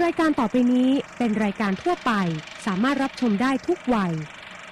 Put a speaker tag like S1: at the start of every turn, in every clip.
S1: รายการต่อไปนี้เป็นรายการทั่วไปสามารถรับชมได้ทุกวัย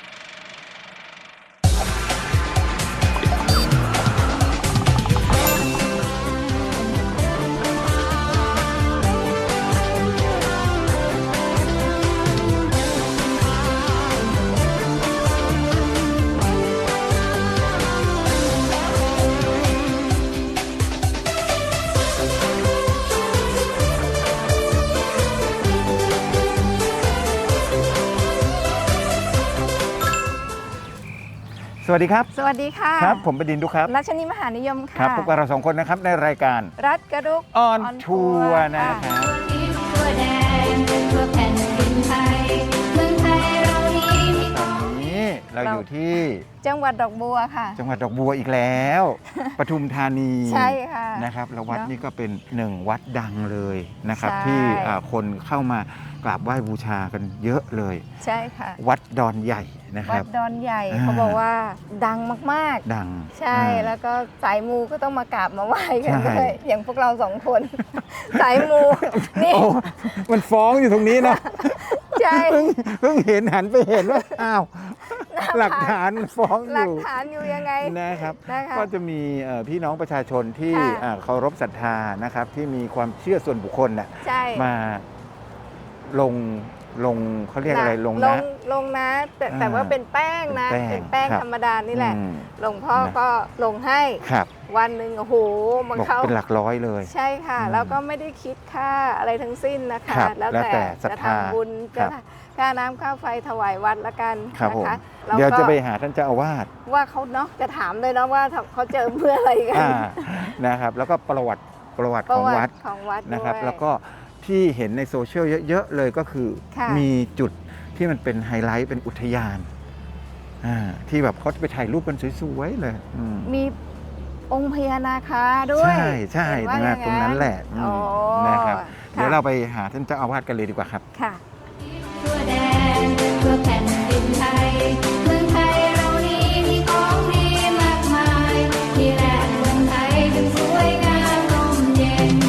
S2: สวัสดีครับ
S3: สวัสดีค่ะ
S2: ครับผมบดินทร์ดุครับ
S3: รัชนีมหานิยมค่ะ
S2: ครับพบกับเราสองคนนะครับในรายการ
S3: รัฐกระดุก
S2: ออนทัวร์นะครับ
S3: ทั่วแดนทั่วแผ่นดินไทยเมืองไทยเรานี้มี
S2: ตอนนี้เราอยู่ที่
S3: จังหวัดดอกบัวค่ะ
S2: จังหวัดดอกบัวอีกแล้ว ปทุมธานี
S3: ใช่ค่ะ
S2: นะครับแล้ววัดนี้ก็เป็นหนึ่งวัดดังเลยนะครับ
S3: ใช่
S2: ที่คนเข้ามากราบไหว้บูชากันเยอะเลย
S3: ใช่ค่ะ
S2: วัดดอนใหญ่นะค
S3: วั
S2: รับ
S3: ดดอนใหญ่เขาบอกว่าดังมากๆ
S2: ดัง
S3: ใช่แล้วก็สายมูก็ต้องมากราบมาไหว้กัน
S2: ใช่
S3: ด้วยอย่างพวกเราสองคน สายมูนี่
S2: โอ้มันฟ้องอยู่ตรงนี้นะ
S3: ใช่
S2: เพิ่งเห็นหันไปเห็นว่าอ้าวหลักฐานฟ้องอ
S3: หลัก
S2: ยู่
S3: ฐานอยู่ยังไง
S2: นะครับ
S3: นะคะ
S2: ก็จะมีพี่น้องประชาชนที่
S3: ค่ะ
S2: เคารพศรัทธานะครับที่มีความเชื่อส่วนบุคคลน่ะ
S3: ใช่
S2: มาลงเขาเรียกอะไรลงนะ
S3: ลงนะแต่ว่าเป็นแป้งนะ
S2: เป็นแป้ง
S3: เป็นแป้ง
S2: ครับ
S3: ธรรมดานี่แหละ
S2: อืม
S3: หลวงพ่อ
S2: นะ
S3: ก็ลงให้
S2: ครับ
S3: วันหนึ่งโอ้โหมัน
S2: บอก
S3: เข้า
S2: เป็นหลักร้อยเลย
S3: ใช่ค่ะ
S2: อืม
S3: แล้วก็ไม่ได้คิดค่าอะไรทั้งสิ้นนะคะ
S2: ครับ
S3: แล้ว
S2: แล้วแต่
S3: แต่
S2: ศรัท
S3: จะ
S2: ธา
S3: ทำบุญ
S2: ครั
S3: จะ
S2: บ
S3: ค่าน้ำค่าไฟถวายวัดละกัน
S2: ครับ
S3: นะ
S2: ผม
S3: คะแล้ว
S2: เดี๋ยว
S3: ก็
S2: จะไปหาท่านเจ้าอาวาส
S3: ว่าเขาเนาะจะถามเลยเนาะว่าเขาเจอเพื่ออะไรกัน
S2: นะครับแล้วก็ประวัติของวัด
S3: ของวัด
S2: นะครับ
S3: ด้วย
S2: แล้วก็ที่เห็นในโซเชียลเยอะๆเลยก็คือ
S3: ค่ะ
S2: มีจุดที่มันเป็นไฮไลท์เป็นอุทยานที่แบบเขาจะไปถ่ายรูปกันสวยๆเลย
S3: มีองค์พญานาคาด้วย
S2: ใช่
S3: เห็นว่า
S2: นะ
S3: อย่าง
S2: ตรงนั้นแหละ
S3: อ๋อ
S2: นะครับ
S3: ค่ะ
S2: เดี๋ยวเราไปหาท่านเจ้าอาวาสกันเลยดีกว่าครับ
S3: ค่ะ
S4: ทั่วแดนทั่วแผ่นดินไทยเมืองไทยเรานี้มีของดีมากมายที่แหล่งเมืองไทยจึงสวยงามร่มเย็น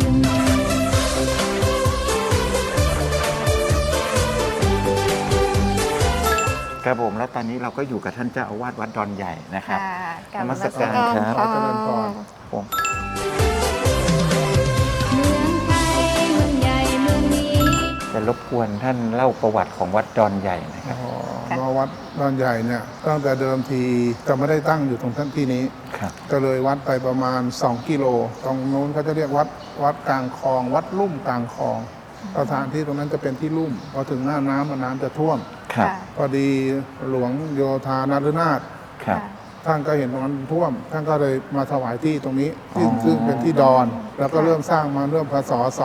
S2: ครับผมแล้วตอนนี้เราก็อยู่กับท่านเจ้าอาวาสวัดดอนใหญ่นะครับ
S3: ค่ะ
S2: นมัสการครับ
S3: ค่ะ
S2: เจริญพรผม
S4: เมืองไทยเมืองใหญ่เมืองนี้
S2: จะรบกวนท่านเล่าประวัติของวัดดอนใหญ่นะครับ
S5: วัดดอนใหญ่เนี่ยตั้งแต่เดิมทีจะไม่ได้ตั้งอยู่ตรงที่นี้
S2: ครับ
S5: ก็เลยวัดไปประมาณ2กิโลตรงนู้นเขาจะเรียกวัดกลางคลอง วัดลุ่มกลางคลองสถานที่ตรงนั้นจะเป็นที่ลุ่มพอถึงหน้าน้ำน้ำจะท่วม
S2: ครับ
S5: พอดีหลวงโยธานฤนาถ
S2: ครับ
S5: ท่านก็เห็นตรงนั้นท่วม ท่านก็เลยมาถวายที่ตรงนี้
S2: อ๋อ
S5: ซึ่งเป็นที่ดอน แล้วก็เริ่มสร้างมาเริ่มพศ 2453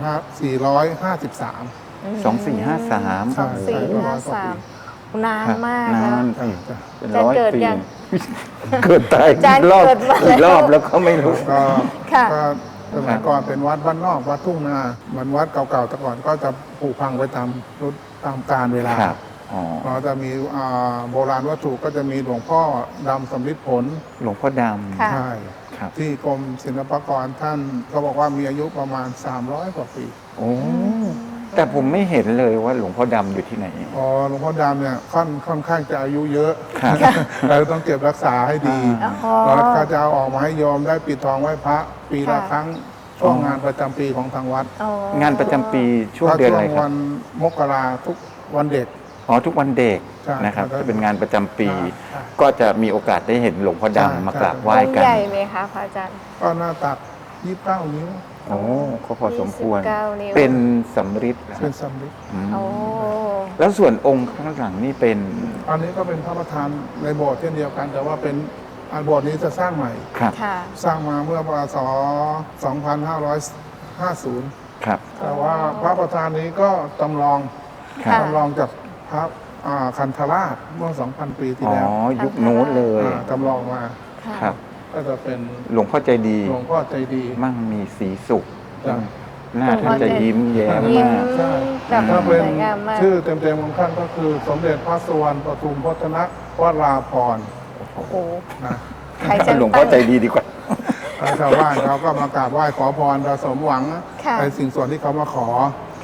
S2: 2453
S5: ใช่
S3: นานมาก
S2: นา
S3: แล้ว
S2: น
S5: ใช่
S2: เป็น
S3: อาจารย์
S2: ร้อย
S3: เกิด
S2: ปี
S3: ยัง
S2: เกิดตาย
S3: อาจารย์
S2: รอบ
S3: เกิดมาแล้ว
S2: กี่รอบแล้วก็ไม่รู้
S5: ก็
S3: ค่ะ
S5: ก็สมัยก่อนเป็นวัดบ้านนอกวัดทุ่งนาเหมือนวัดเก่าๆแต่ก่อนก็จะผุพังไปตามรุ่นตามกาลเวลา
S2: ครับอ๋อ
S5: เราจะมีโบราณวัตถุก็จะมีหลวงพ่อดำสำริดผล
S2: หลวงพ่อด
S3: ค่ะ
S5: ใช่
S2: ำครับ
S5: ที่กรมศิลปากรท่านก็บอกว่ามีอายุประมาณ 300 กว่าปี
S2: โอ้แต่ผมไม่เห็นเลยว่าหลวงพ่อดำอยู่ที่ไหน
S5: อ๋อหลวงพ่อดำเนี่ยค่อนข้างจะอายุเยอะ
S2: ครับ
S5: เราต้องเก็บรักษาให้ดี
S3: อ๋อ
S5: แล้วก็จะเอาออกมาให้โยมได้ปิดทองไหว้พระปีละ
S3: ค่ะ
S5: ครั้งช่วงงานประจำปีของทางวัด
S3: อ๋อง
S2: านประจำปีช่วงเดือนอะไรค
S5: วั
S2: รับ
S5: นมกราทุกวันเด็ก
S2: อ๋อทุกวันเด็ก
S5: ใช่
S2: นะครับ
S5: ครับ
S2: จะเป็นงานประจำปี
S5: ใช่
S2: ก็จะมีโอกาสได้เห็นหลวงพ่อ
S5: ใช่
S2: ดำมากราบไหว้
S3: องค์
S2: กัน
S3: ใหญ่ไหมคะพระอาจารย์
S5: ก็หน้าตัก29 นิ้ว
S2: โอ้ก็พอสมควร
S3: 29นิ้ว
S2: เป็นสำริดนะ
S5: เป็นสำริด
S2: อืม
S3: โอ้
S2: แล้วส่วนองค์ข้างหลังนี่เป็น
S5: อันนี้ก็เป็นพระประธานในโบสถ์เช่นเดียวกัน แต่ว่าเป็นอันโบสถ์นี้จะสร้างใหม่
S2: ครับ
S3: ค่ะ
S5: สร้างมาเมื่อปศ 2550
S2: ครับ
S5: แต่ว่าพระประธานนี้ก็จำลอง
S2: ครับ
S3: ค่ะ
S5: จำลองจากพระคันธราชเมื่อ 2,000 ปีที่
S2: อ๋อ
S5: แล้ว
S2: ยุคนู้นเลย
S5: จำลองมา
S3: ค่ะ
S2: ครับ
S5: ก็จะเป็น
S2: หลวงพ่อใจดี
S5: หลวงพ่อใจดี
S2: มั่งมีสีสุข
S5: จ้ะ
S2: หน้าท่านจะยิ้มแย้ม
S3: ยิ้ม
S2: มาก
S5: ใช่
S3: แบบ
S5: ถ้า
S3: ส
S5: เป็น
S3: วยงามมาก
S5: ชื่อเต็มๆของท่านก็คือสมเด็จพระสุวรรณปทุมพจนวราภรณ์
S3: โอ้โห
S5: นะ
S3: ใครจะ
S2: หลวงพ่อใจดีดีกว่า
S5: ชาวบ้านเขาก็มากราบไหว้ขอพรประสมหวัง
S3: ค่ะ
S5: ในสิ่งส่วนที่เขามาขอ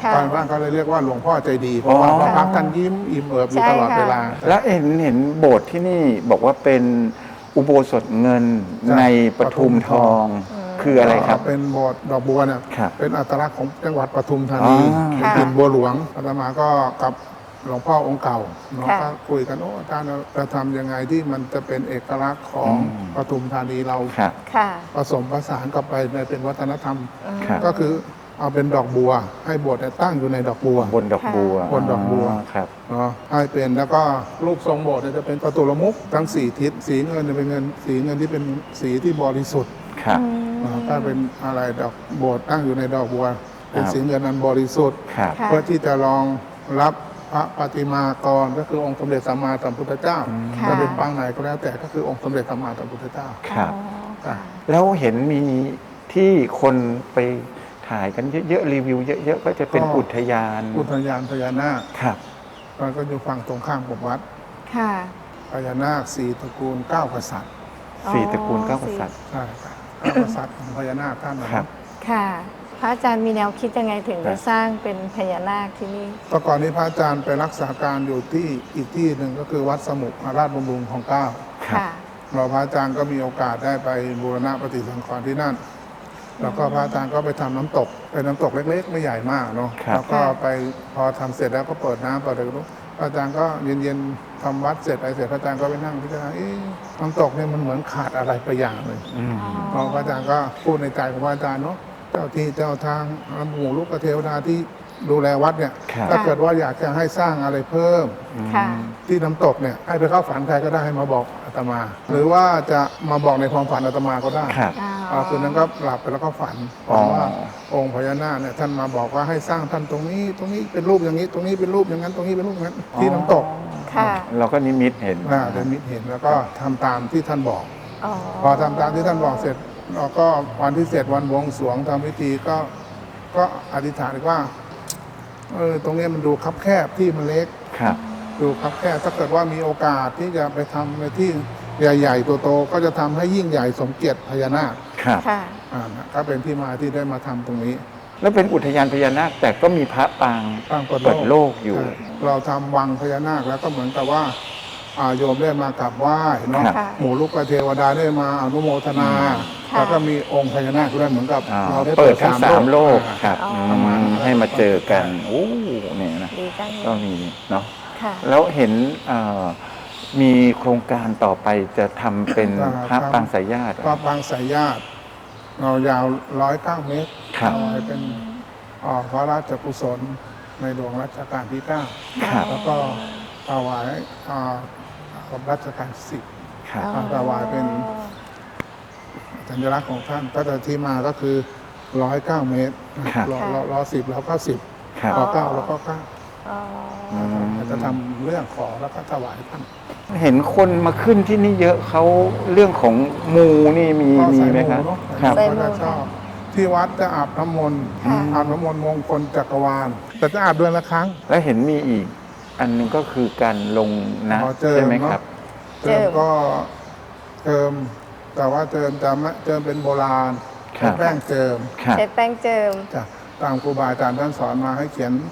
S4: ค่ะ
S5: บ้านก็เลยเรียกว่าหลวงพ่อใจดีเพราะว่า
S2: อ๋อ
S5: พระพักตร์ท่านยิ้มอิ่มเอิบอยู่
S4: ใช่
S5: ตลอด
S4: ค่ะ
S5: เวลา
S2: แล้วเห็นโบสถ์ที่นี่บอกว่าเป็นอุโบสถเงิน
S5: ใช่
S2: ในปทุมทองคืออะไรครับ
S5: เป็นโบสถ์ดอกบัวเนี่ย
S2: ครับ
S5: เป็นอัตลักษณ์ของจังหวัดปทุมธานี
S2: อ๋อ
S5: เป็นดินบัวหลวงอาตมาก็กับหลวงพ่อองค์เก่าเนาะ
S4: ค่ะ
S5: ก็คุยกันโอ้อาจารย์จะทำยังไงที่มันจะเป็นเอกลักษณ์ของ
S2: อืม
S5: ปทุมธานีเรา
S2: ครับ
S4: ค่ะ
S5: ผสมผสานกับไปในเป็นวัฒนธรรม
S2: ครับ
S5: ก็คือเอาเป็นดอกบัว ให้โบสถ์เนี่ยตั้งอยู่ในดอกบัว
S2: บนดอกบัว
S5: บนดอกบัว
S2: ครับ
S5: เนาะให้เป็นแล้วก็รูปทรงโบสถ์เนี่ยจะเป็นประตูละมุกทั้งสี่ทิศสีเงินเนี่ยเป็นเงินสีเงินที่เป็นสีที่บริสุทธิ์
S2: ครับ
S5: ถ้าเป็นอะไรดอกโบสถ์ตั้งอยู่ในดอกบัว เป็น
S2: ครับ
S5: สีเงินอันบริสุทธิ์
S2: ครับ
S4: ค่ะ
S5: เพื่อที่จะรองรับพระปฏิมากรก็คือองค์สมเด็จสัมมาสัมพุทธเจ้า
S4: ค่ะ
S5: จะเป็นปางไหนก็แล้วแต่ก็คือองค์สมเด็จสัมมาสัมพุทธเจ้า
S2: ครับ
S4: อ๋อค่ะ
S2: แล้วเห็นมีที่คนไปถ่ายกันเยอะๆรีวิวเยอะๆก็จะเป็น
S5: ก็
S2: อุทยาน
S5: อุทยานพญานาค
S2: ครับ
S5: มันก็อยู่ฝั่งตรงข้ามกับวัด
S4: ค่ะ
S5: พญานาคสี่ตระกูลเก้ากษัตริย์
S2: สี่ตระกูลเก้ากษัตริย์
S5: ใช่ครับเก้ากษัตริย์ของพญานาคท่านนะครับ
S4: ค่ะ พระอาจารย์มีแนวคิดยังไงถึงจะสร้างเป็นพญานาคที่นี่
S5: แต่ก่อนนี้พระอาจารย์ไปรักษาการอยู่ที่อีกที่หนึ่งก็คือวัดสมุขราชบำรุงของเกล้า
S2: ครับ
S4: ค่ะ
S5: เราพระอาจารย์ก็มีโอกาสได้ไปบูรณะปฏิสังขรณ์ที่นั่น แล้วก็พระอาจารย์ก็ไปทำน้ำตก เป็นน้ำตกเล็ก ๆ ไม่ใหญ่มากเนาะ
S2: ครับ
S5: แล้วก็ไปพอทำเสร็จแล้วก็เปิดน้ำเปิดอะไรก็รู้พระอาจารย์ก็เย็นๆทำวัดเสร็จอะไรเสร็จพระอาจารย์ก็ไปนั่งพิจารณาน้ำตกเนี่ยมันเหมือนขาดอะไรไปอย่างหนึ่ง
S2: อืม
S5: พอพระอาจารย์ก็พูดในใจของพระอาจารย์เนาะเจ้าที่เจ้าทางหมู่ลูกเทวดาที่ดูแลวัดเนี่ย
S2: ครับ
S5: ถ้าเกิดว่าอยากจะให้สร้างอะไรเพิ่ม
S4: ค่ะ
S5: ที่น้ำตกเนี่ยให้ไปเข้าฝันใครก็ได้ให้มาบอกอาตมา หรือว่าจะมาบอกในความฝันอาตมาก็ได้
S2: ครับ
S5: คืนนั้นก็หลับไปแล้วก็ฝัน
S2: อ๋อ
S5: ว่าองค์พญานาคเนี่ยท่านมาบอกว่าให้สร้างท่านตรงนี้เป็นรูปอย่างนี้ ตรงนี้เป็นรูปอย่างนั้นตรงนี้เป็นรูปอย่างนั้นที่น้ำตก
S4: ค่ะ
S2: เราก็นิมิตเห็น
S5: เดินมิตรเห็นแล้วก็ทำตามที่ท่านบอก
S4: อ๋อ
S5: พอทำตามที่ท่านบอกเสร็จเราก็วันที่เสร็จวันบวงสรวงทำพิธีก็อธิษฐานว่าตรงนี้มันดูคับแคบที่มันเล็ก
S2: ครับ
S5: ดูคับแคบถ้าเกิดว่ามีโอกาสที่จะไปทำในที่ใหญ่ๆโตๆก็จะทำให้ยิ่งใหญ่สมเกียรติพญานาค
S2: ครับ
S4: ค่ะ
S5: ก็เป็นที่มาที่ได้มาทำตรงนี้
S2: แล้วเป็นอุทยานพญานาคแต่ก็มีพระปาง
S5: ตั้งเปิ
S2: เปิดโลกอยู่
S5: เราทำวังพญานาคแล้วก็เหมือนกับว่าโยมได้มากราบไหว้เนาะ
S2: ครับ
S5: หมู่ลูกเทวดาได้มาอนุโมทนา
S4: ค่ะ
S5: แล้วก็มีองค์พญานาคด้วยเหมือนกับ
S2: อ่า
S5: เราได้
S2: เปิดทั้งสามโลก
S5: อ่า
S2: ครับ
S4: อ๋อ
S2: อืมให้มาเจอกันโอ้เนี่ยนะ
S4: ดีจังเล
S2: ก็
S4: ย
S2: มีเนาะ
S4: ค่ะ
S2: แล้วเห็นมีโครงการต่อไปจะทำเป็นพระปางสายญาติเหรอ
S5: พระปางสายญาติเรายาว109 เมตร
S2: ครับ
S5: เอาไว้เป็นพระราชกุศลในหลวงรัชกาลที่ 9
S2: ครับ
S5: แล้วก็ถวายกับรัชกาลที่
S2: ครับ
S5: ถวายเป็นสัญลักษณ์ของท่านก็จะที่มาก็คือ109 เมตร
S2: ครับ
S5: รอ10แล้วก็10
S2: ครับ
S5: รอ9แล้วก็9
S4: อ๋อ
S5: จะทำเรื่องขอแล้วก็ถวายท่าน
S2: เห็นคนมาขึ้นที่นี่เยอะเขาเรื่องของมูนี่มี
S5: ก็
S2: มี
S5: ใส่
S2: ไหม
S5: มู
S2: ครับ
S5: เนาะ
S2: ครับ
S5: ก็จะชอบที่วัดจะอาบน้ำมนต์
S4: ค่ะ
S5: อาบน้ำมนต์มงคลจักรวาลแต่จะอาบเดือนละครั้ง
S2: แล้วเห็นมีอีก อันหนึงก็คือการลงนะ
S5: อ๋อเจิม
S2: ใช่ไหมครับ
S5: เจิมก็เจิมแต่ว่าเจิมจะไม่เจิมเป็นโบราณ
S2: ครับ
S5: แป้งเจิม
S2: ครับ
S4: ใช้แป้งเจิม
S5: จ้ะตามครูบาอาจารย์ท่านสอนมาให้เขียน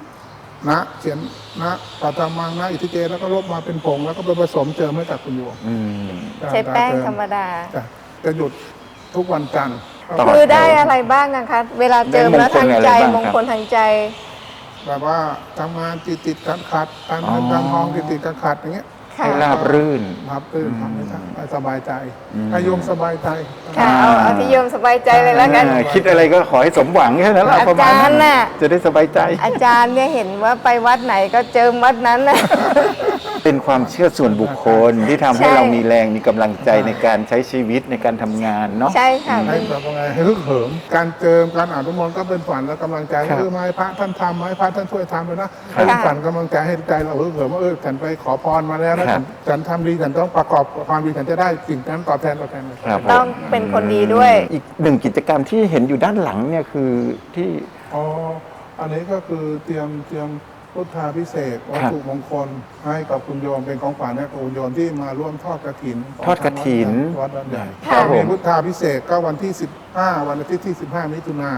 S5: นะปัตมังนะอิทธิเจแล้วก็ลบมาเป็นผงแล้วก็ไปผสมเจิมให้กับคุณโยม
S2: อืม
S4: ใช้แป้งธรรมดา
S5: จ้ะจะหยุดทุกวันจันทร์
S2: ต่อ
S4: คือได้อะไรบ้างอะคะ เวลาเจิมแล้วทางใจ
S2: ได้ม
S4: ม
S2: ง
S4: ง
S2: ค
S4: ค
S2: ล
S4: ล
S2: อะไรบ้างครับ
S4: ทางใจ
S5: แบบว่าทำงานติดขัดการเงินการทองติดขัดอย่างเงี้ย
S4: ค่ะ
S2: ให้ราบรื่น
S5: ครับตื่นทำให้ท่านให้สบายใจ
S2: อืม
S5: ให้โยมสบายใจ
S4: ค่ะเอาที่โยมสบายใจเลยแล้วกัน
S2: คิดอะไรก็ขอให้สมหวังแค่นั้นแหละ
S4: อา
S2: ประมาณ
S4: จารย์น่ะ
S2: จะได้สบายใจ
S4: อาจารย์เนี่ยเห็นว่าไปวัดไหนก็เจิมวัดนั้นนะ
S2: เป็นความเชื่อส่วนบุคคลที่ทำให้
S4: ใช่
S2: เรามีแรงมีกำลังใจในการใช้ชีวิตในการทำงานเนาะ
S4: ใช่ค่ะ
S5: ให้แบบว่าไงให้ฮึกเหิมการเจิมการอ่านทุมนต์ก็เป็นฝันและกำลังใจ
S2: ครับ
S5: มาให้พระท่านทำมาให้พระท่านช่วยทำเลยนะให้เป็นฝันกำลังใจให้ใจเราฮึกเหิมว่าฉันไปขอพรมาแล้วนะฉันทำดีฉันต้องประกอบความดีฉันจะได้สิ่งนั้นตอบแทน
S2: ครับ
S4: ต้องเป็นคนดีด้วย
S2: อีกหนึ่งกิจกรรมที่เห็นอยู่ด้านหลังเนี่ยคือที่
S5: อ๋ออันนี้ก็คือเตรียมพุทธาพิเศษกวัตถุมงคลให้กับคุณโยมเป็นของขวัญให้กับคุณโยมที่มาร่วมทอดกฐินของ
S2: ทอดกฐิน
S5: วัดบ้านใหญ่
S4: ค่ะ
S5: มีพุทธาพิเศษกก็วันที่15วันอาทิตย์ที่15 มิถุนา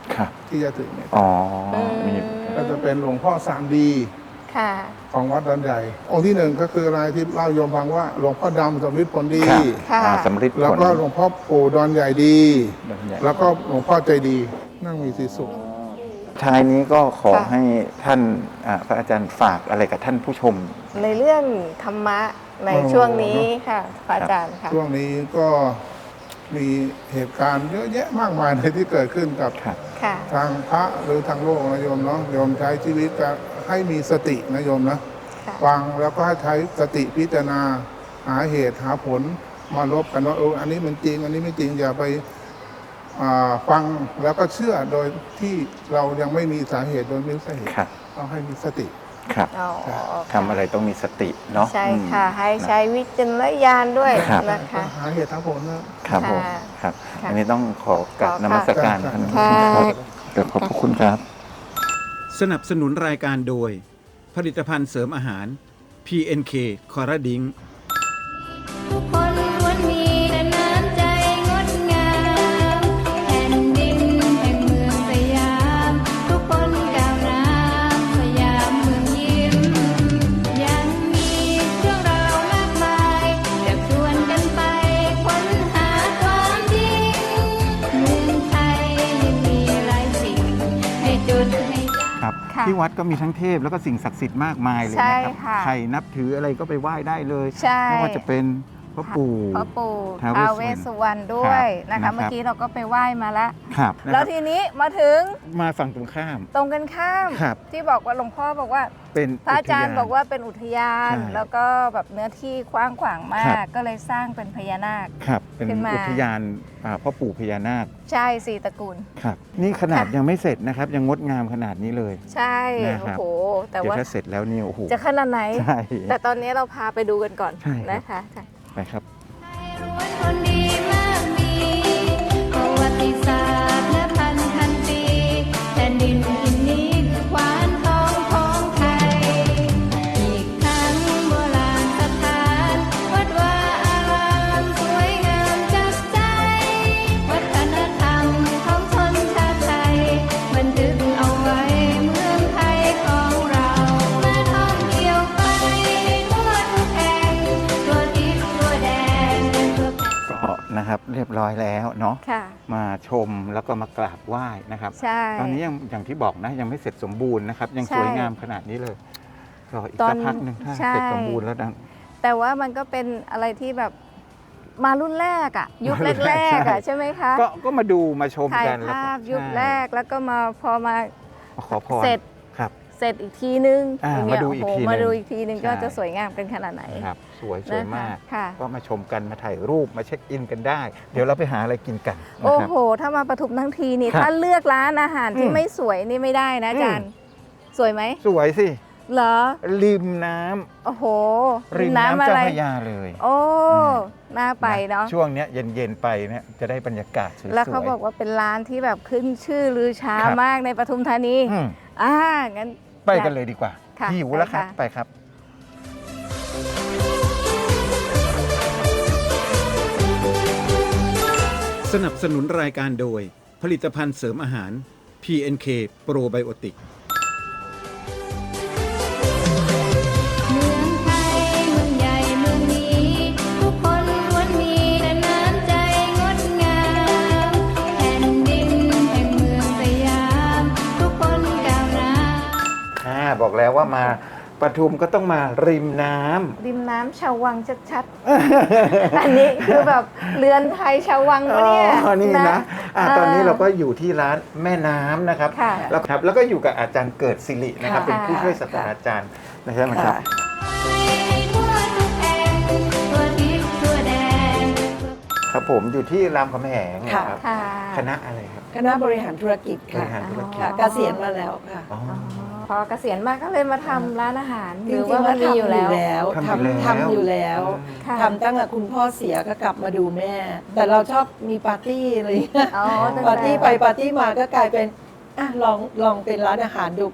S2: ครับ
S5: ที่จะถึงเนี่ย
S2: อ๋อมี
S5: ก็จะเป็นหลวงพ่อสามดี
S4: ค่ะ
S5: ของวัดดอนใหญ่องค์ที่หนึ่งก็คืออะไรที่เล่าโยมฟังว่าหลวงพ่อดำสำริดผลดี
S2: ครับ
S4: ค่ะ
S2: สำริดผล
S5: แล้วก็หลวงพ่อปู่ดอนใหญ่ดี
S2: ดอนใหญ่
S5: แล้วก็หลวงพ่อใจดีนั่งมีสีสุข
S2: ท้ายนี้ก็ขอ
S4: ค่ะ
S2: ให้ท่านพระอาจารย์ฝากอะไรกับท่านผู้ชม
S4: ในเรื่องธรรมะใน
S5: โอ้
S4: ช่วงนี้ค่ะพระอาจารย์ค่ะ
S5: ช่วงนี้ก็มีเหตุการณ์เยอะแยะมากมายเลยที่เกิดขึ้นกับ
S2: ครับ
S4: ค่ะ
S5: ทางพระหรือทางโลกนะโยมเนาะโยมใช้ชีวิตจะให้มีสตินะโยมนะ
S4: ค่ะ
S5: ฟังแล้วก็ให้ใช้สติพิจารณาหาเหตุหาผลมาลบกันว่าอันนี้มันจริง อันนี้ไม่จริงอย่าไปฟังแล้วก็เชื่อโดยที่เรายังไม่มีสาเหตุโดยไม่รู้สาเหตุ
S2: ครับ
S5: ต้องให้มีสติ
S2: ครับ
S4: อ๋อ
S2: ทำอะไรต้องมีสติเนาะ
S4: ใช่ค่ะ
S2: อืม
S4: ให้ใช้วิจารณญาณด้วย
S2: ครับ
S4: นะคะ
S5: หาเหตุหาผลนะ
S2: ครับผม
S4: ค่ะ
S2: ครับ
S4: ค่ะ
S2: อันนี้ต้องขอกราบ
S4: ขอค่ะ
S2: นมัสการ
S5: ค่ะ
S2: ท่าน
S4: ค่ะ
S2: ครับเดี๋ยวขอบพระคุณครับ
S6: สนับสนุนรายการโดย ผลิตภัณฑ์เสริมอาหาร PNK คอร์ดิง
S3: ทุกคนล้วนมีแต่น้ำใจงดงามแผ่นดินแห่งเมืองสยาม ทุกคนก้าวน้ำสยามเมืองยิ้ม ยังมีเรื่องราวมากมายจะชวนกันไปค้นหาความจริงเมืองไทยยังมีหลายสิ่งให้จุดให้จำ
S2: ครับ
S4: ค่ะ
S2: ที่วัดก็มีทั้งเทพแล้วก็สิ่งศักดิ์สิทธิ์มากมายเลย
S4: ใช่
S2: นะครับ
S4: ค่ะ
S2: ใครนับถืออะไรก็ไปไหว้ได้เลย
S4: ใช่
S2: ไม่ว่าจะเป็นพระปู่
S4: พ่อปู่
S2: ท้าว
S4: ท้าว
S2: เว
S4: เว
S2: ส
S4: ส
S2: สุ
S4: สุ
S2: ว
S4: ว
S2: ร
S4: ร
S2: ร
S4: ร
S2: ณ
S4: ณด้วย
S2: ครั
S4: นะคะ
S2: บ
S4: เมื่อกี้เราก็ไปไหว้มาแล้ว
S2: ครับนะ
S4: แล้ว
S2: ครับ
S4: ทีนี้มาถึง
S2: มาฝั่งตรงข้าม
S4: ตรงกันข้าม
S2: ครับ
S4: ที่บอกว่าหลวงพ่อบอกว่า
S2: เป็น
S4: พระอาจารย์
S2: ทน
S4: บอกว่าเป็นอุทยาน
S2: ใช่
S4: แล้วก็แบบเนื้อที่กว้างขวางมา
S2: ครั
S4: ก
S2: บ
S4: ก็เลยสร้างเป็นพญานาค
S2: ครับ เป็น
S4: ขึ้นมา
S2: อุทยานพ่อปู่พญานาค
S4: ใช่สี่ตระกูล
S2: ครับ นี่ขนาด
S4: ค่ะ
S2: ยังไม่เสร็จนะครับ ยังงดงามขนาดนี้เลย
S4: ใช่
S2: นะครับ
S4: โอ้โหแต่
S2: เดี๋ยว
S4: ว่า
S2: ถ้าเสร็จแล้วนี่โอ้โห
S4: จะขนาดไหน
S2: ใช่
S4: แต่ตอนนี้เราพาไปดูกันก่อน
S2: ใช่ครับ
S4: นะคะค่ะ
S2: ไปครับ
S3: ล้วนคนดีมากมีประวัติศาสตร์และพันปีแผ่นดินอินนี้คือขวานทองของไทย อีกทั้งโบราณสถานวัดวาอารามสวยงามจับใจ วัฒนธรรมของชนชาติไทยบันทึกเอาไว้เมืองไทยของเรามาท่องเที่ยวไปทั่วทุกแห่งทั่วทิศทั่วแดนทั่วแผ่น
S2: ก็นะครับเรียบร้อยแล้วเนาะ
S4: ค่ะ
S2: มาชมแล้วก็มากราบไหว้นะครับ
S4: ใช่
S2: ตอนนี้ยังอย่างที่บอกนะยังไม่เสร็จสมบูรณ์นะครับ ยัง
S4: ใช่
S2: สวยงามขนาดนี้เลยรออีก
S4: ตอ
S2: สั
S4: น
S2: กพักหนึ่งถ้า
S4: ใช่
S2: เสร็จสมบูรณ์แล้วดัง
S4: แต่ว่ามันก็เป็นอะไรที่แบบมารุ่นแรกอะยุค
S2: มารุ่น
S4: แร
S2: แรก
S4: กๆอะ
S2: ใช่
S4: ใช่ไหมคะ
S2: ก็มาดูมาชม
S4: ถ่าย
S2: กันแล้ว
S4: ภา
S2: ก็
S4: พยุค
S2: ใช่
S4: แรกแล้วก็มาพอมา
S2: มาขอพร
S4: เสร็จ
S2: ครับ
S4: เสร็จอีกทีนึง
S2: มา
S4: ย่งเงี้ย
S2: ดูอีก
S4: โโห
S2: ทีนึง
S4: มาดูอีกทีนึงก็
S2: ใช่
S4: จะสวยงามเป็นขนาดไหน
S2: ครับสวย
S4: นะคะ
S2: มาก
S4: ค่ะ
S2: ก็มาชมกันมาถ่ายรูปมาเช็คอินกันได้ เดี๋ยวเราไปหาอะไรกินกันนะ
S4: โอ้
S2: ครับ
S4: โห ถ้ามาปทุมทั้งทีนี่
S2: ครับ
S4: ถ้าเลือกร้านอาหารที่
S2: อืม
S4: ไม่สวยนี่ไม่ได้นะอาจารย์ สวยไหม
S2: สวยสิ
S4: เหรอ
S2: ริมน้ำ
S4: โอ้โห
S2: ริมน้ำ
S4: อะ
S2: เจ้า
S4: ไร
S2: พระยาเลย
S4: โอ้
S2: ม
S4: น่าไปเนาะ
S2: ช่วงเนี้ยเย็นๆไปเนี่ยจะได้บรรยากาศสวยๆ
S4: แล้วเขาบอกว่าเป็นร้านที่แบบขึ้นชื่อลือช้า
S2: ครับ
S4: มากในปทุมธานี
S2: อืม
S4: งั้น
S2: ไปกันเลยดีกว่า
S4: ค่ะ
S2: หิวแล้วครับ
S4: ไปค่ะ
S2: ไปครับ
S6: สนับสนุนรายการโดย ผลิตภัณฑ์เสริมอาหาร PNK Probiotic
S3: เมืองไทยเมืองใหญ่เมืองนี้ ทุกคนล้วนมีแต่น้ำใจงดงามแผ่นดินแห่งเมืองสยาม ทุกคนก้าวหน้า
S2: บอกแล้วว่ามาปทุมก็ต้องมาริมน้ำ
S4: ริมน้ำชาววังชัดๆ อันนี้คือแบบเรือนไทยชาววัง
S2: อ๋
S4: ปะเนี่ย
S2: อนี่นะตอนนี้เราก็อยู่ที่ร้านแม่น้ำนะครับ
S4: ค่ะ
S2: แล้วก็อยู่กับอาจารย์เกิดศิรินะครับ
S4: ค่ะ
S2: เป็นผู้ช่วยศาสตราจารย์นะครับ
S3: ให้ทั่วทุกแห่งทั่วทิศทั่วแดน
S2: ครับผมอยู่ที่รามคำแหงนะครับ
S4: ค่ะ
S2: คณะอะไรครับ
S7: คณะบริหารธุรกิจ
S2: บริ
S7: ค่ะ
S2: หารธุรกิจ
S7: ค่ะเกษียณมาแล้วค่ะ
S2: อ๋อ
S4: พอเกษียณมาก็เลยมาทำร้านอาหาร
S7: จ
S4: ห
S7: ริ
S4: รื
S7: ง
S4: อ
S7: ๆ
S4: ว่ามันมีอยู่แล้ว
S2: ทำอยู่แล้ว
S7: ทำอยู่แล้ว
S4: ค่ะ
S7: ทำตั้งแต่คุณพ่อเสียก็กลับมาดูแม่ แต่เราชอบมีปาร์ตี้อะไรอย่างเงี้ย
S4: อ๋อตั้งแต่
S7: ปาร์ตี้ไปปาร์ตี้มาก็กลายเป็นอ่ะลองเป็นร้านอาหารดูก็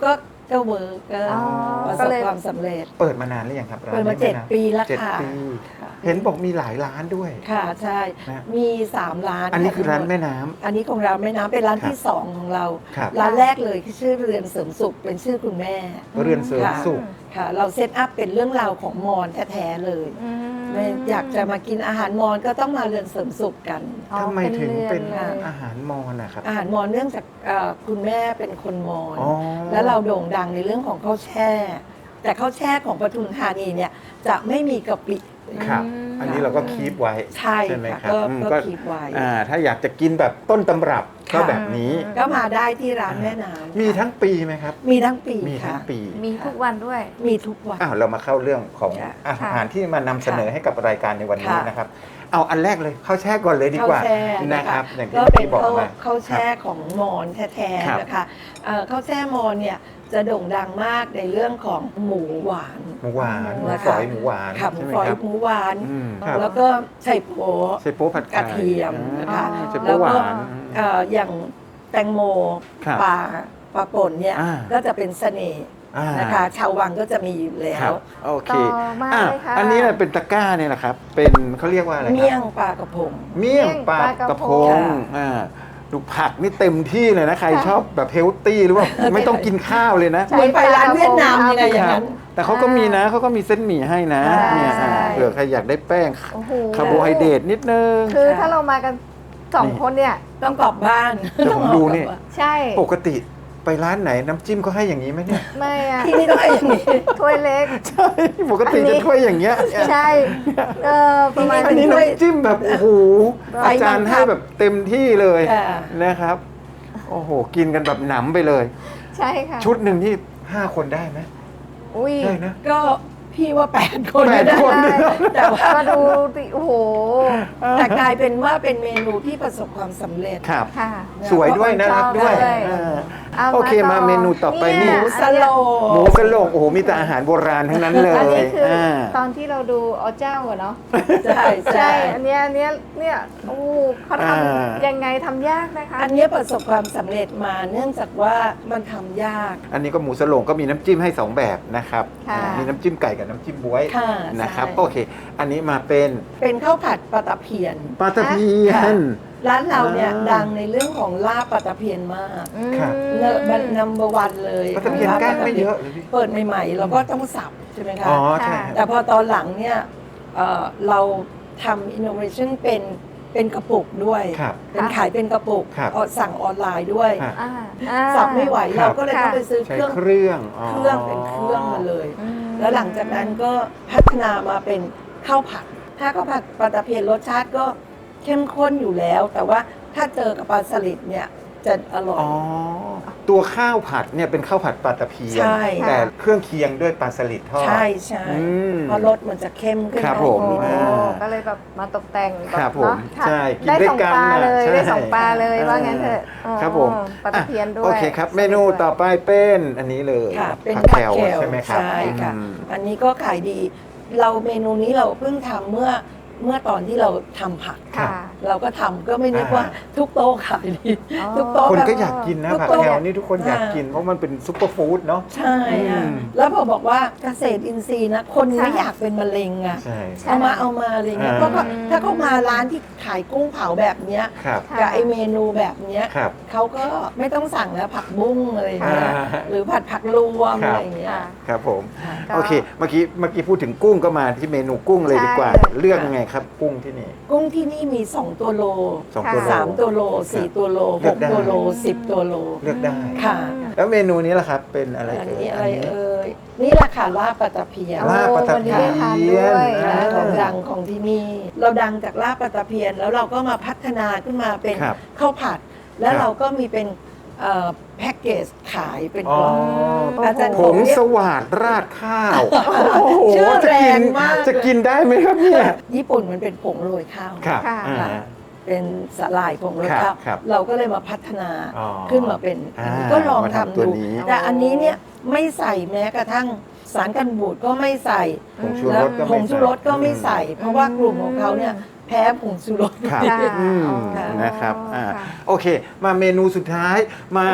S7: ก็เวิร์กก็
S8: อ๋อ
S7: ประส
S8: ก็
S7: บ
S8: เลย
S7: ความสำเร็จ
S2: เปิดมานานหรือยังครับร้าน
S7: เปิดมา
S2: นี้
S7: 7 ปีแล้ว
S2: เจ็ด
S7: ค่ะ
S2: ปี
S7: ค่ะ
S2: เห็นบอกมีหลายร้านด้วย
S7: ค่ะใช่
S2: นะ
S7: มี3ร้าน
S2: อันนี้
S7: ค่ะ
S2: คือร้าน
S7: ทั้งหด
S2: แม่น้ำ
S7: อันนี้ของเราแม่น้ำเป็นร้าน
S2: ครับ
S7: ที่ 2 ของเรา
S2: ครับ
S7: ร้านแรกเลยคือชื่อเรือนเสริมสุขเป็นชื่อคุณแม่
S2: เรือนเสริมสุข
S7: ค่ะ เราเซตอัพเป็นเรื่องราวของมอญแท้ๆเลย
S8: อืม
S7: ไม่อยากจะมากินอาหารมอญก็ต้องมาเรือนเสริมสุขกัน
S8: อ๋อ
S2: ทำไมถึงเป็น
S8: รือนเลย
S2: อาหารมอญนะครับ
S7: อาหารมอญเนื่องจากคุณแม่เป็นคนมอญ
S2: อ๋อ
S7: แล้วเราโด่งดังในเรื่องของข้าวแช่ แต่ข้าวแช่ของปทุมธานีเนี่ยจะไม่มีกะปิ
S2: ครับ อันนี้เราก็คีปไว้
S7: ใช่
S2: ไหม
S7: ค่ะ
S2: ครับ
S7: ก็
S2: อืม
S7: ก็คีบไว้
S2: ถ้าอยากจะกินแบบต้นตำรับก็
S7: ค่ะ
S2: แบบนี้
S7: ก็มาได้ที่ร้านแม่น้ำ
S2: มีทั้งปีไหมครับ
S7: มีทั้งปี
S2: มีทั้ง
S7: ค่ะ
S2: ปี
S8: มีทุกวันด้วย
S7: มีทุกวัน
S2: เรามาเข้าเรื่องของ
S7: ค่ะ
S2: อาหารที่มานำเสนอให้กับรายการในวันนี้
S7: ค่ะ
S2: นะครับ เอาอันแรกเลยข้าวแช่ก่อนเลยดีกว่า
S7: ข้าวแช่
S2: นะครับ อย่างที่
S7: ก็
S2: เมื่อ
S7: เป็น
S2: กี้บอก
S7: ข้าว
S2: มา
S7: ข้าวแช่ของมอญแท้
S2: ครับ
S7: ๆนะคะข้าวแช่มอญเนี่ยจะโด่งดังมากในเรื่องของหมูหวาน
S2: หมูหวานหมู
S7: นะคะ
S2: ฝอยหมูหวาน
S7: ค่ะหมู
S2: ใช่ไหม
S7: ฝอย
S2: ครับ
S7: หมูหวาน
S2: ครับ
S7: แล้วก็ไช่โป๊
S2: ใส่โป๊ผัดไข่
S7: กระเทียมนะคะ
S2: ใส่โป๊
S7: แล้ว
S2: ห
S7: ก็
S2: วาน
S7: อย่างแตงโม
S2: ครับ
S7: ปลาป่นเนี่ย
S2: อ่า
S7: ก็จะเป็นเสน่ห์
S2: อ่า
S7: นะคะ ชาววังก็จะมีอยู่แล้
S2: ครั
S7: ว
S2: บโอเค
S8: ต่อมาเลยค่ะ
S2: อันนี้น่ะเป็นตะกร้าเนี่ยแหละครับ เป็นเขาเรียกว่าอะไรครับ
S7: เมี่ยงปลากระพง
S2: เมี่ยงปลากระพง
S7: ค่ะ
S2: ดูผักนี่เต็มที่เลยนะ ใครชอบแบบเฮลตี้หรือว่าไม่ต้องกินข้าวเลยนะ
S8: ใช่
S7: เหมือนไปร้านเวียดนามยังไงอย่างนั้น
S2: แต่เขาก็มีนะเขาก็มีเส้นหมี่ให้นะ
S7: ใช่
S2: เนี่ยเผื่อใครอยากได้แป้ง
S8: โอ้โห
S2: คาร์โบไฮเดรตนิดนึง
S8: คือถ้าเรามากัน2 คนเนี่ย
S7: ต้องกลับบ้าน
S2: เดี๋ยวผมดูนี่
S8: ใช่
S2: ปกติไปร้านไหนน้ำจิ้มเขาให้อย่างนี้ไหมเนี่ย
S8: ไม่อะ
S7: ที่นี่ต้องให้อย่างนี้
S8: ถ้วยเล็ก
S2: ใช่ปกติจะถ้วยอย่างเงี้ย
S8: ใช่ ประมาณ
S2: อันนี้
S7: ถ้วย
S2: น้ำจิ้มแบบโอ้โห
S7: ไฟ
S2: อาจารย์ให้แบบเต็มที่เลย
S7: ค่ะ
S2: นะครับ โอ้โห กินกันแบบหนำไปเลย
S8: ใช่ค่ะ
S2: ชุดหนึ่งที่5 คนได้ไหม
S8: อุ้ย
S2: ได้นะ
S7: ก็พี่ว่า8 คน
S2: แปด
S7: ได้
S2: คน
S7: แต่ว่า
S8: มาดูสิโอ้โห
S7: แต่กลายเป็นว่าเป็นเมนูที่ประสบความสำเร็จ
S2: ครับ
S8: ค่ะ
S2: สวยด้วยน่ารักด้วย
S8: ชอบเลย
S2: เออ
S8: เอา
S2: โอเคมาเมนูต่อไป
S8: เนี่
S2: นี่
S8: ย
S7: หมูสโล
S2: หมูสโลงโอ้โหมีแต่อาหารโบราณทั้งนั้นเล
S8: อัน
S2: ย
S8: นี้คือ
S2: อ่า
S8: ตอนที่เราดูอ๋อเจ้าอะเนาะ
S7: ใช่
S8: ใช่
S7: ใช่
S8: อันเนี้ยเนี่ยโอ้โหเขาทำยังไงทำยากนะคะ
S7: อันนี้ประสบความสำเร็จมาเนื่องจากว่ามันทำยาก
S2: อันนี้ก็หมูสโลงก็มีน้ำจิ้มให้ 2 แบบนะครับ
S8: ค่ะ
S2: มีน้ำจิ้มไก่กับน้ำจิ้มบ๊วย
S7: ค่ะ
S2: นะครับ
S7: ใช่
S2: โอเค อันนี้มาเป็น
S7: เป็นข้าวผัดปลาตะเพียน
S2: ปลาตะเพีย
S7: ค่ะ
S2: น
S7: ร้านเราเนี่ย
S2: อ่า
S7: ดังในเรื่องของลาบปลาตะเพียนมาก
S8: อืม
S2: ครับ
S7: เลิศมันนัมเบอร์วันเลย
S2: ปลาตะเพียนก้านไม่เยอะเลยพี่
S7: เปิดใหม่ๆเราก็ต้องสับใช่ไหมคะ
S2: อ๋อใช่
S7: แต่พอตอนหลังเนี่ยเราทำ innovation เป็นกระปุกด้วย
S2: ครับ
S7: เป็นขายเป็นกระปุก
S2: ครับ
S7: สั่งออนไลน์ด้วย
S2: ครับ
S7: สับไม่ไหว
S2: ครับ
S7: เราก็เลยต้องไปซื้อ
S2: ใช้
S7: เครื่อง
S2: เครื่อง
S7: เครื่องเป็นเครื่องมาเลย แล้วหลังจากนั้นก็พัฒนามาเป็นข้าวผัด ถ้าข้าวผัดปลาตะเพียนรสชาติก็เข้มข้นอยู่แล้ว แต่ว่าถ้าเจอกับปลาสลิดเนี่ยจะอร่อย
S2: อ๋อ ตัวข้าวผัดเนี่ยเป็นข้าวผัดปลาตะเพียน
S7: ใช่
S2: แต่เครื่องเคียงด้วยปลาสลิดทอด
S7: ใช่ใช่
S2: อืม
S7: เพราะรสมันจะเข้มขึ้น
S2: ครับ
S7: มา
S2: ผม
S8: โอ้โห
S2: อ่า
S8: ก็เลยแบบมาตกแต่งแ
S2: ครับผม
S8: เนาะ
S2: ใช่กิน
S8: ได้
S2: ด้วย
S8: สอง
S2: กัน
S8: ปลา
S2: น่ะ
S8: เลย
S2: ใช่
S8: ได้สองปลาเลยว่างั้นเถอะอ๋อ
S2: ครับผม
S8: ปลาตะเพียนด้วย
S2: โอเคครับ เมนูต่อไปเป็นอันนี้เลย
S7: ค่ะ เป็น
S2: ผั
S7: ผั
S2: ก
S7: ก
S2: แคล
S7: แคล
S2: ใช่ไหมครับ
S7: ใช่ค่ะ
S2: อืม
S7: อันนี้ก็ขายดี เราเมนูนี้เราเพิ่งทำเมื่อตอนที่เราทำผัก
S8: ค่ะ
S7: เราก็ทำก็ไม่นึกว่าทุกโต๊ะขายดี
S8: อ๋อ
S7: ทุกโต๊ะ
S2: คน
S7: แบบ
S2: ก็อยากกินนะ
S7: ทุก
S2: ผัก
S7: โต๊ะ
S2: แคลนี่ทุกคนอยาก
S7: ค่ะ
S2: กินเพราะมันเป็นซุปเปอร์ฟู้ดเนาะ
S7: ใช่ค่ะ
S2: อืม
S7: แล้วพอบอกว่าเกษตรอินทรีย์นะ คนไม่
S8: ค่ะ
S7: อยากเป็นมะเร็งอ่ะ
S2: ใช่
S7: เอามาอะไรเงี้ย
S2: อ่า
S7: เพราะว่าถ้าเขามาร้านที่ขายกุ้งเผาแบบเนี้ย
S2: ครับ
S8: ค่ะ
S7: กับไอเมนูแบบเนี้ย
S2: ครับ
S7: เขาก็ไม่ต้องสั่งแล้วผักบุ้งอะไรเงี้ย
S2: อ่า
S7: หรือผัดผักรวม
S2: ครับ
S7: อะไรเงี้ย
S8: ค่ะ
S2: ครับผม
S8: ก็
S2: โอเค เมื่อกี้พูดถึงกุ้งก็มาที่เมนูกุ้งเลยดีกว่า
S8: ใช่เลย
S2: เลือกยังไงครับ กุ้งที่นี่
S7: กุ้งที่นี่มี 2 ตัวโล
S2: 2 ตัวโล
S7: 3 ตัวโล 4 ตัวโล
S2: เลือกได้
S7: 6 ตัวโล 10 ตัวโล
S2: เลือกได้
S7: ค่ะ
S2: แล้วเมนูนี้ล่ะครับ เป็นอะไร
S7: อัน
S2: เอ่ย
S7: นี้อะไร
S2: นนี้
S7: เอ่ยนี่แหละค่ะลาบปลาตะเพียน
S8: โอ้
S2: ลาบปลาตะ
S8: วันนี้
S2: เพีย
S8: ได้ทานด้วย
S2: น
S7: นะของดังของที่นี่ เราดังจากลาบปลาตะเพียน แล้วเราก็มาพัฒนาขึ้นมาเป็น
S2: ครับ
S7: ข้าวผัด แล้ว
S2: ครับ
S7: เราก็มีเป็นแพ็กเกจขายเป็น
S2: อ๋
S7: ก
S2: อ
S7: ล่องอาจารย์
S2: ผ
S7: ของ
S2: ง
S7: เรียก
S2: สวัสดราดข้าว โอ้โห
S7: ชื่อ
S2: จะ
S7: แร
S2: กิ
S7: ง
S2: น
S7: มาก
S2: จะกินได้ไหมครับเนี่ย
S7: ญี่ปุ่นมันเป็นผงโรยข้าว
S2: ครับ
S8: ค่ะ
S2: อ่า
S7: เป็นสลายผงโรยข้าว
S2: ครับ
S7: เราก็เลยมาพัฒนา
S2: อ๋อ
S7: ขึ้นมาเป็น
S2: อ่า
S7: ก็ลอง
S2: มา
S7: ทำ
S2: ทำตัว
S7: ดู
S2: นี้
S7: แต่อันนี้เนี่ยไม่ใส่แม้กระทั่งสารกันบูดก็ไม่ใส่
S2: ผงชู
S7: แล้
S2: ร
S7: ว
S2: สก็
S7: ผ
S2: ไม่
S7: งชูรสก็ไม่ใส่ เพราะว่ากลุ่มของเขาเนี่ยแพ้ผงชูรส
S2: ครับ
S8: ค่ะ
S2: อืม
S8: อ๋อ
S2: นะครับ
S8: ค่ะ
S2: โอเค มาเมนูสุดท้ายมา
S8: โอ้โห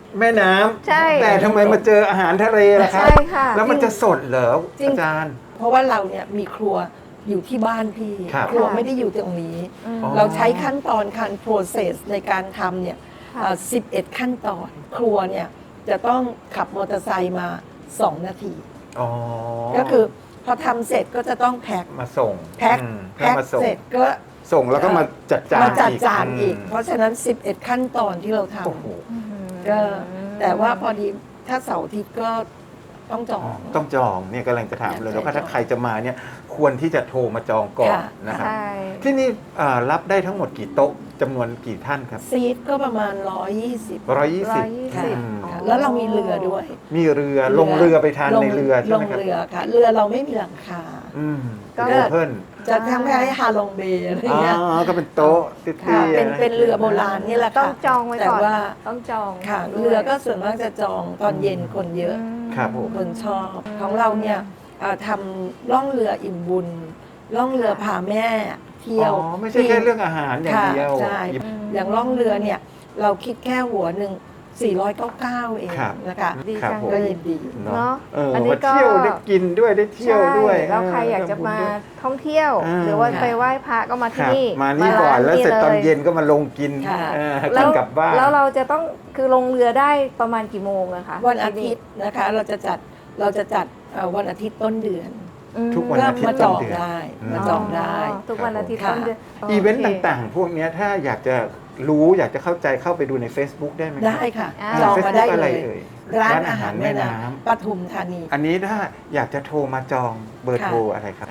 S2: แม่น้ำ
S8: ใช่
S2: แต่ทำไมมาเจออาหารทะเลล่ะครับ
S8: ใช่ค่ะ
S2: แล้วมันจะสดเหรอ
S7: จริง
S2: อาจารย์
S7: เพราะว่าเราเนี่ยมีครัวอยู่ที่บ้านพี่
S2: ครับ
S7: ครัวไม่ได้อยู่ตรงนี้
S8: อืม
S7: เราใช้ขั้นตอนการ process ในการทำเนี่ย
S8: ค่ะ
S7: 11 ขั้นตอน ครัวเนี่ยจะต้องขับมอเตอร์ไซค์มา 2 นาที
S2: อ๋อ
S7: ก็คือพอทำเสร็จก็จะต้องแพ็ค
S2: มาส่ง
S7: แพ็ค
S2: อืม
S7: แพ็ค
S2: มาส่ง
S7: เสร็จก็
S2: ส่งแล้วก็มาจัดจาน
S7: มาจัดจานอีก
S2: ม
S7: เพราะฉะนั้น 11 ขั้นตอนที่เราท
S2: โอ้โห
S7: ำก็แต่ว่าพอดีถ้าเสาร์อาทิตย์ก็ต้องจอง
S2: ต้องจองเนี่ยกำลังจะถามเลย
S7: ใช่
S2: แล้วก็ถ้า
S7: จอง
S2: ใครจะมาเนี่ยควรที่จะโทรมาจองก่อน
S7: ค่ะ
S2: นะครับ
S8: ใช่
S2: ที่นี่รับได้ทั้งหมดกี่โต๊ะจำนวนกี่ท่านครับ
S7: ซีทก็ประมาณ 120
S2: 120
S7: ค่ะ
S2: อืม
S7: ค่ะแล้วเรามีเรือด้วย
S2: มีเรือลงเรือไปทานในเรือใช่
S7: ล
S2: ไหม
S7: ง
S2: ครับ
S7: เรือค่ะ เรือเราไม่มีหลังคา
S2: อืม
S8: ก็
S2: โอเพ่น
S7: จะทำให้ฮาลองเบย์อะไร
S2: อ๋
S7: เงี้ย
S2: อก็เป็นโต๊ะเตี้
S7: ค่ะ
S2: ยๆ
S7: เป็นเรือโบราณนี่แหละ
S8: ต้
S7: ค่ะ
S8: องจองไว้
S7: แต่
S8: ก่อน
S7: ว่า
S8: ต้องจอง
S7: ค่ะ
S8: ด้วย
S7: เรือก็ส่วนมากจะจองตอนเย็นคนเยอะ
S2: ครับผม
S7: คนชอบของเราเนี่ยทำล่องเรืออิ่มบุญล่องเรือพาแม่เที่ยว
S2: อ๋อไม่ใช่แค่เรื่องอาหารอย่าง
S7: ค่ะ
S2: เดียว
S7: ใช่อย่างล่องเรือเนี่ยเราคิดแค่หัวหนึ่ง499 เอง
S2: ครับ
S7: นะคะ
S8: ดี
S2: ครับ
S8: จัง
S2: ผม
S7: ก็ยินดี
S8: เนาะ
S2: เออ
S8: อันนี้
S2: มา
S8: ก็
S2: เที่ยวได้กินด้วยได้เที่ยวด้วย
S8: ใช่แล้วใครอยากจะมาท่องเที่ยว หรือว่าไปไหว้พระก็มา
S2: ค
S8: ที่
S2: รับ
S8: นี่
S2: มานี่ก่อนแล้วเสร็จตอนเย็น
S8: ล
S2: ก็มาลงกิน
S7: ค่ะ
S2: กินกลับบ้าน
S8: แล้วเราจะต้องคือลงเรือได้ประมาณกี่โมงอะคะ
S7: วันอาทิตย์นะคะเราจะจัดวันอาทิตย์ต้นเดือน
S8: อืม
S2: ทุกวันอาทิตย์
S7: มาจอง
S2: ต้นเดือน
S7: ได้
S2: อืม
S7: มาจองได้
S8: ทุกวันอาทิตย์
S7: ค่ะ
S8: ต้นเดือน
S2: อีเวนต์
S8: โค
S2: ต่างๆ พวกเนี้ยถ้าอยากจะรู้อยากจะเข้าใจเข้าไปดูใน Facebook ได้ไหมครับ
S7: ได้ค่ะ
S8: อ่า
S7: จองมาได้
S2: Facebook อะไร
S7: เลย
S2: เอ่ย
S7: ร้านอาหารแม่น้ำปทุมธานี
S2: อันนี้ถ้าอยากจะโทรมาจองเบอร์
S7: ค่ะ
S2: โทรอะไรครับ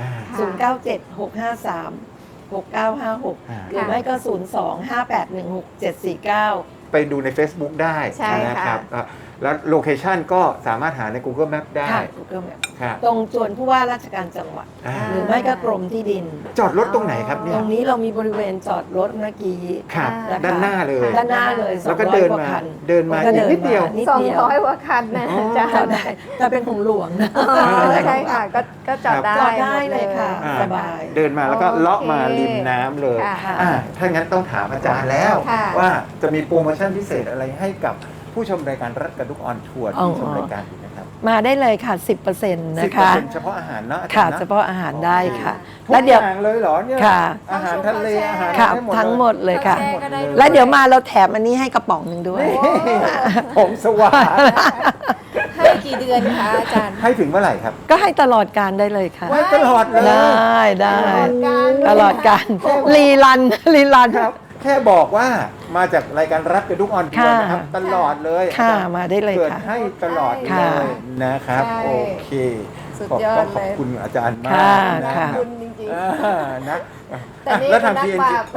S7: 0976536956 หรือไม่ก็ 025816749
S2: ไปดูใน Facebook ได้
S8: ใช่ค่ะ
S2: นะครับแล้วโลเคชันก็สามารถหาใน Google Map ได้
S7: ค่ะ Google Map
S2: ครับ
S7: ตรงจวนผู้ว่าราชการจังหวัด
S2: อ่า
S7: หรือไม่ก็กรมที่ดิน
S2: จอดรถตรงไหนครับเนี่
S7: ต
S2: ย
S7: รงนี้เรามีบริเวณจอดรถเมื่อกี้
S2: ครับ
S7: นะคะ
S2: ด้านหน้าเลย
S7: ด้านหน้าเลย
S2: แล้วก็
S7: 200
S2: เดิน
S7: กว่า
S2: มา
S7: คัน
S2: เดินมา
S7: ก็
S2: อีกนิดเดียว
S7: นิด
S8: สอง
S7: เดียว
S8: ร้อยกว่าคันนะ
S2: อ๋อ
S8: จ้ะ
S7: จอดได้แต่เป็นของหลวงนะ
S8: อ๋อใช่ค่ะก็จอดได้
S7: จอดได้เลยค่ะ
S2: อ่า
S7: สบาย
S2: เดินมาแล้วก็
S8: โอเค
S2: เลาะมาริมน้ำเลย
S8: ค่ะ
S2: ถ้างั้นต้องถามอาจารย์แล้ว
S8: ค่ะ
S2: ว่าจะมีโปรโมชั่นพิเศษอะไรให้กับผู้ชมรายการรัฐกระดุกออนทัวร์ที่ชมรายการอยู่นะครับ
S7: มาได้เลยค่ะ 10%นะคะ
S2: 10%เฉพาะอาหารเนาะอาจาร
S7: ค่ะ
S2: ย์น
S7: เฉพาะอาหารได้ค่ะ
S2: ทุก
S7: แล้วเดี๋ยว
S2: อย่างเลยเหรอเนี่ย
S7: ค่ะ
S2: อาหารทะเลอาหาร
S7: ค่ะ
S2: ได้
S7: ทั้งหมดเลยค่ะ
S8: แชร์ก็ได้ด้วย
S7: แล้วเดี๋ยวมาเราแถมอันนี้ให้กระป๋องหนึ่งด้วย
S2: ผมสว่าง
S8: ให้กี่เดือนคะอาจารย์
S2: ให้ถึงเมื่อไหร่ครับ
S7: ก็ให้ตลอดการได้เลยค่ะ
S2: ไว้ตลอดเลย
S7: ได้
S8: การ
S7: ตลอดการรีรันรีรัน
S2: ครับ แค่บอกว่ามาจากรายการรัฐกระดุกออนทัวร์นะครับ
S7: ค่ะ
S2: ตลอดเลย
S7: ค่ะ
S2: อาจารย์
S7: มาได้เลย
S2: เกิด
S7: ค่ะ
S2: ให้ตลอดเล
S7: ค่ะ
S2: ยนะครับ
S8: ใช่
S2: โอเค
S8: สุด
S2: ขอบ
S8: ยอด
S2: ต้องขอบ
S8: เลย
S2: คุณอาจารย์มาก
S7: ค่ะ
S2: นะ
S7: ค่ะ
S2: ค
S8: คุ
S2: รับ
S8: ณจริง
S2: นะ
S8: แต่นี่
S2: แล้วทาง
S8: เป็นนัก
S2: PNK
S8: ปราบ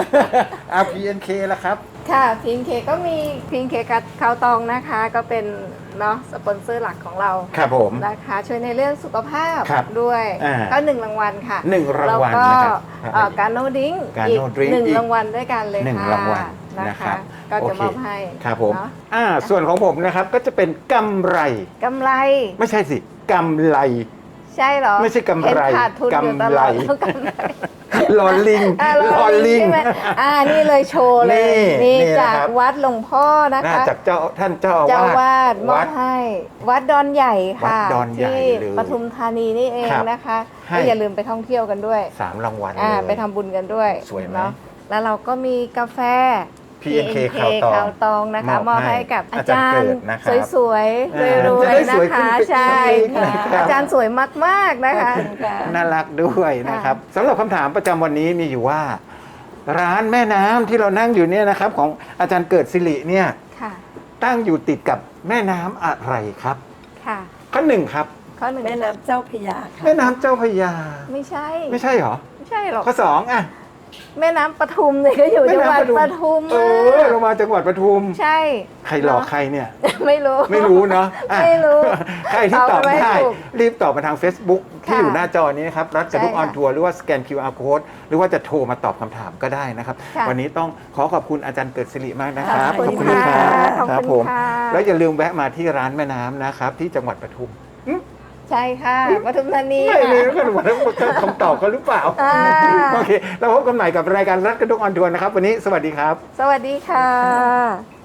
S2: PNK ล่ะครับ
S8: ๆ ค่ะพิงเคก็มีพิงเคกับข้าวตองนะคะ ก็เป็นเนาะสปอนเซอร์หลักของเรา
S2: ครับผม
S8: นะคะช่วยในเรื่องสุขภาพ
S2: ครับ
S8: ด้วย
S2: อ่า
S8: ก็1 รางวัลค่ะ
S2: หนึ่งรางวัล
S8: แล้วก็
S2: นะครับ
S8: การโนดิ้ง
S2: Gano
S8: อีก
S2: Drink อีก
S8: 1 รางวัลด้วยกันเลย
S2: หนึ่ง
S8: ค่ะ
S2: รางวัล
S8: นะ
S2: นะครั
S8: คะ
S2: บ
S8: ก็จะ
S2: โอเค
S8: มอบให้
S2: ครับผม
S8: เนาะ
S2: ส่วนของผมนะครับก็จะเป็นกำไร
S8: กำไร
S2: ไม่ใช่สิกำไร
S8: ใช่เหรอ
S2: ไม่ใช่กำไร
S8: เห็นขาดทุนอยู่ตลอด
S2: กำไร
S8: แล้วกำไร
S2: ลอลิง
S8: ลอลิงใช่ไหมนี่เลยโชว์เลย
S2: นี่
S8: นี่จาก
S2: นะครับ
S8: วัดหลวงพ่อนะ
S2: น่า
S8: คะ
S2: จากท่านเจ้า
S8: เจ้า
S2: อาวา
S8: วา
S2: ส
S8: ดมอบให้ วัดดอนใหญ่ค่ะ
S2: วัดดอนใหญ่
S8: ที่
S2: เลย
S8: ปทุมธานีนี่เอง
S2: ครับ
S8: นะคะ
S2: ให้
S8: ก็อย่าลืมไปท่องเที่ยวกันด้วย
S2: 3 รางวัลเลย
S8: ไปทำบุญกันด้วย
S2: สวยไหม
S8: เนาะแล้วเราก็มีกาแฟ
S2: PNK ข่าวตอง
S8: นะคะม
S2: ม
S8: อ
S2: อ
S8: บบ
S2: ให้
S8: ให้กับอา
S2: อาจา
S8: จาร
S2: ย์
S8: ร
S2: เกิ
S8: ย์
S2: ดนะครับ
S8: สวยๆร
S2: จะ
S8: วย
S2: ได้
S8: ๆ
S2: ส
S8: นะ
S2: วยขึ้น
S8: คะ
S2: ไป
S8: ใช่
S2: อีกนะครับ
S8: อาจารย์สวยมากๆนะคะ
S2: น่ารักด้วยนะครับสำหรับคำถามประจำวันนี้มีอยู่ว่า ร้านแม่น้ำที่เรานั่งอยู่เนี่ยนะครับ ของอาจารย์เกิดสิริเนี่ย
S8: ค่ะ
S2: ตั้งอยู่ติดกับแม่น้ำอะไรครับ
S8: ค่ะ
S2: ข้อหนึ่งครับ
S8: ข้อหนึ่ง
S7: แม่น้ำเจ้าพระยาค่ะ
S2: แม่น้ำเจ้าพระยา
S8: ไม่ใช่
S2: ไม่ใช่เหรอ
S8: ไม่ใช่หรอก
S2: ข้อสองอ่ะ
S8: แม่น้ำปทุมเนี่ยก็อยู่จังหวัดปทุม
S2: เรามาจังหวัดปทุม
S8: ใช่
S2: ใครหลอกใครเนี่ย
S8: ไม่รู้
S2: ไม่รู้เนาะอ่ะ
S8: ไม่รู้
S2: ใครที่ตอบ
S8: ตอบไม่
S2: ได้
S8: ถูก
S2: รีบตอบมาทาง Facebook ที่
S8: ค่ะ
S2: อยู่หน้าจอนี้นะครับ รัฐกระดุก
S8: ใช่
S2: อ
S8: ค่ะ
S2: อนทัวร์หรือว่าสแกน QR code หรือว่าจะโทรมาตอบคำถามก็ได้นะครับ
S8: ค่ะ
S2: วันนี้ต้องขอบคุณอาจารย์เกิดสิริมากนะครับ
S8: ขอบคุณ
S2: นะครั
S8: ค่ะ
S2: บ
S8: ขอบคุณ
S2: ครับผม
S8: ค่ะ
S2: แล้วอย่าลืมแวะมาที่ร้านแม่น้ำนะครับ ที่จังหวัดปทุม
S8: ใช่ค่ะปทุมธานี
S2: ไม่เลย
S8: ค่ะ
S2: ก็ว่าคำตอบเขาหรือเปล่า
S8: อ่า
S2: โอเคเราพบกันใหม่กับรายการรัฐกระดุกออนทัวร์นะครับ วันนี้สวัสดีครับ
S8: สวัสดีค่ะ